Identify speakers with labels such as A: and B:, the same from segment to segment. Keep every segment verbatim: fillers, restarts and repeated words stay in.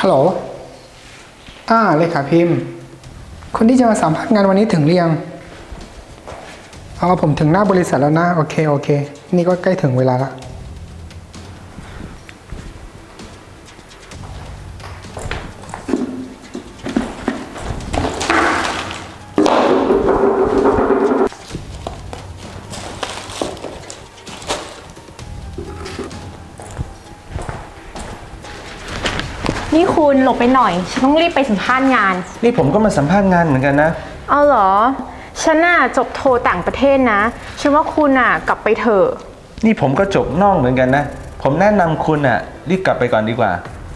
A: ฮัลโหลอ่าเลขาพิมพ์คนที่จะมาสัมภาษณ์งานวันนี้ถึงหรือยังเอาผมถึงหน้าบริษัทแล้วนะโอเคโอเคนี่ก็ใกล้ถึงเวลาละ
B: นี่คุณหลบไปหน่อยฉันต้องรีบไปสัมภาษณ์งาน
C: นี่ผมก็มาสัมภาษณ์งานเหมือนกันนะ
B: เอาเหรอฉันน่ะจบโทต่างประเทศนะฉันว่าคุณน่ะกลับไปเถอะ
C: นี่ผมก็จบนอกเหมือนกันนะผมแนะนำคุณอ่ะรีบกลับไปก่อนดีกว่า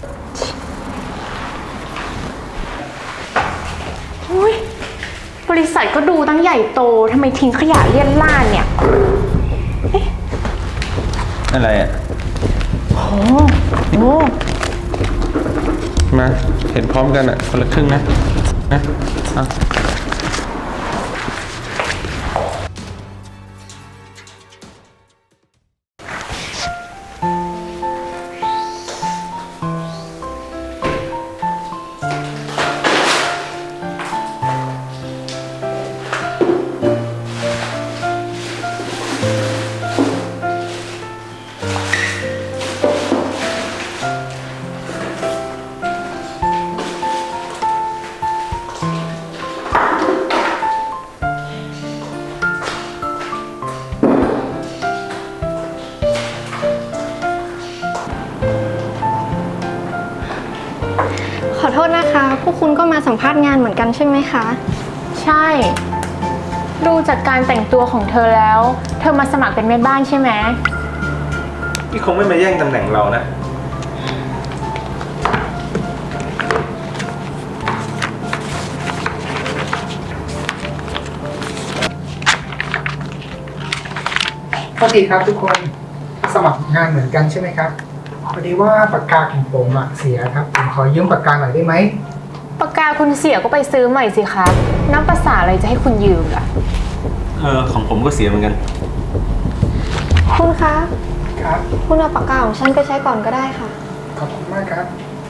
B: อุ้ยบริษัทก็ดูตั้งใหญ่โตทำไมทิ้งขยะเลี่ยนล่านเนี่ยเอ๊ะ
C: อะไรอ่ะ
B: โอ้โห
C: มาเห็นพร้อมกันอ่ะคนละครึ่งนะนะอ่ะ
D: ขอโทษนะคะพวกคุณก็มาสัมภาษณ์งานเหมือนกันใช่ไหมคะ
B: ใช่ดูจากการแต่งตัวของเธอแล้วเธอมาสมัครเป็นแม่บ้านใช่ไหม
C: นี่คงไม่มาแย่งตำแหน่งเรานะ
A: สวัสดีครับทุกคนสมัครงานเหมือนกันใช่ไหมครับพอดีว่าปากกาของผมอะเสียครับผมขอยืมปากกาหน่อยได้ไหม
B: ปากกาคุณเสียก็ไปซื้อใหม่สิคะน้ำภาษาอะไรจะให้คุณยืมล่ะ
C: เออของผมก็เสียเหมือนกัน
D: คุณคะ
A: ครับ
D: คุณเอาปากกาของฉันไปใช้ก่อนก็ได้ค่ะ
A: ขอบคุณมากครับ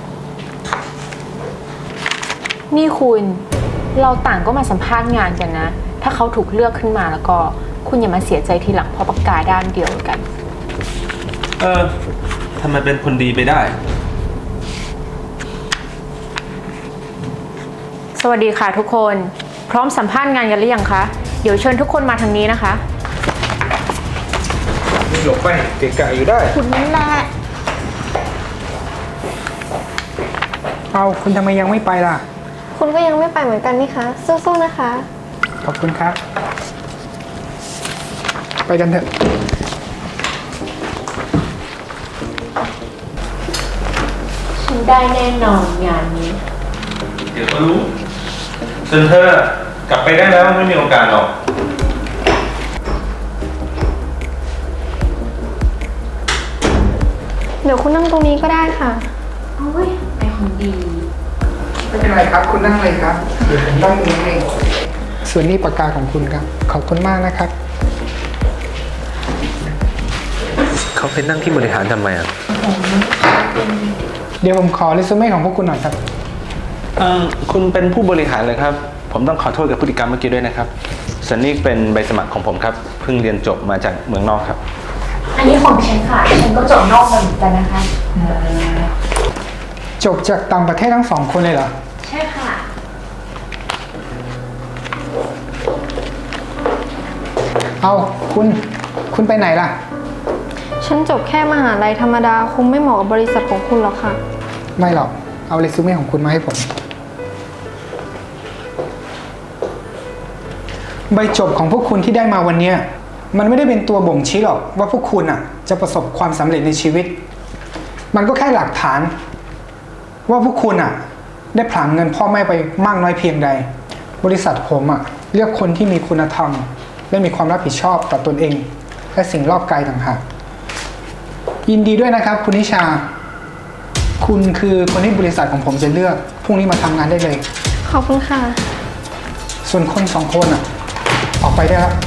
B: นี่คุณเราต่างก็มาสัมภาษณ์งานกันนะถ้าเขาถูกเลือกขึ้นมาแล้วก็คุณอย่ามาเสียใจทีหลังเพราะปากกาด้านเดียวกัน
C: เออทำไมเป็นคนดีไปได้
B: สวัสดีค่ะทุกคนพร้อมสัมภาษณ์งานกันหรือยังคะเดี๋ยวเชิญทุกคนมาทางนี้นะคะ
C: หลบไปเกะกะอยู่ได้
B: คุณนั่นแหละ
A: เอาคุณทำไมยังไม่ไปล่ะ
D: คุณก็ยังไม่ไปเหมือนกันนี่คะสู้ๆนะคะ
A: ขอบคุณครับไปกันเถอะ
B: ฉันได้แน่นอนงานนี้
C: เดี๋ยวก็รู้ส่วนเธอกลับไปได้แล้วไม่มีโอกาสหรอก
D: เดี๋ยวคุณนั่งตรงนี้ก็ได้ค่ะ
B: โอ้ยไอคนดี
A: ไม่เป็นไรครับคุณนั่งเลยครับเดี๋ยวผมนั่งตรงนี้เองส่วนนี้ปากกาของคุณครับขอบคุณมากนะครับ
C: เขาไปนั่งที่บริหารทำไมอ่ะ
A: เดี๋ยวผมขอเรซูเม่ของพวกคุณหน่อยครับ
C: เออคุณเป็นผู้บริหารเลยครับผมต้องขอโทษกับพฤติกรรมเมื่อกี้ด้วยนะครับส่วนนี้เป็นใบสมัครของผมครับเพิ่งเรียนจบมาจากเมืองนอกครับ
B: อันนี้ของฉันค่ะฉันก็จบนอกมาเหมือนกันนะคะ
A: จบจากต่างประเทศทั้งสองคนเลยเหรอ
B: ใช่ค่ะ
A: เอาคุณคุณไปไหนล่ะ
D: ฉันจบแค่มหาลัยธรรมดาคงไม่เหมาะกับบริษัทของคุณหรอกค่ะ
A: ไม่หรอกเอาเรซูเม่ของคุณมาให้ผมใบจบของพวกคุณที่ได้มาวันนี้มันไม่ได้เป็นตัวบ่งชี้หรอกว่าพวกคุณอ่ะจะประสบความสำเร็จในชีวิตมันก็แค่หลักฐานว่าพวกคุณอ่ะได้ผลาญเงินพ่อแม่ไปมากน้อยเพียงใดบริษัทผมอ่ะเลือกคนที่มีคุณธรรมและมีความรับผิดชอบต่อตนเองและสิ่งรอบกายต่างหากยินดีด้วยนะครับคุณนิชาคุณคือคนที่บริษัทของผมจะเลือกพรุ่งนี้มาทำงานได้เลย
D: ขอบคุณค่ะ
A: ส่วนคนสองคนอ่ะออกไปได้แล้ว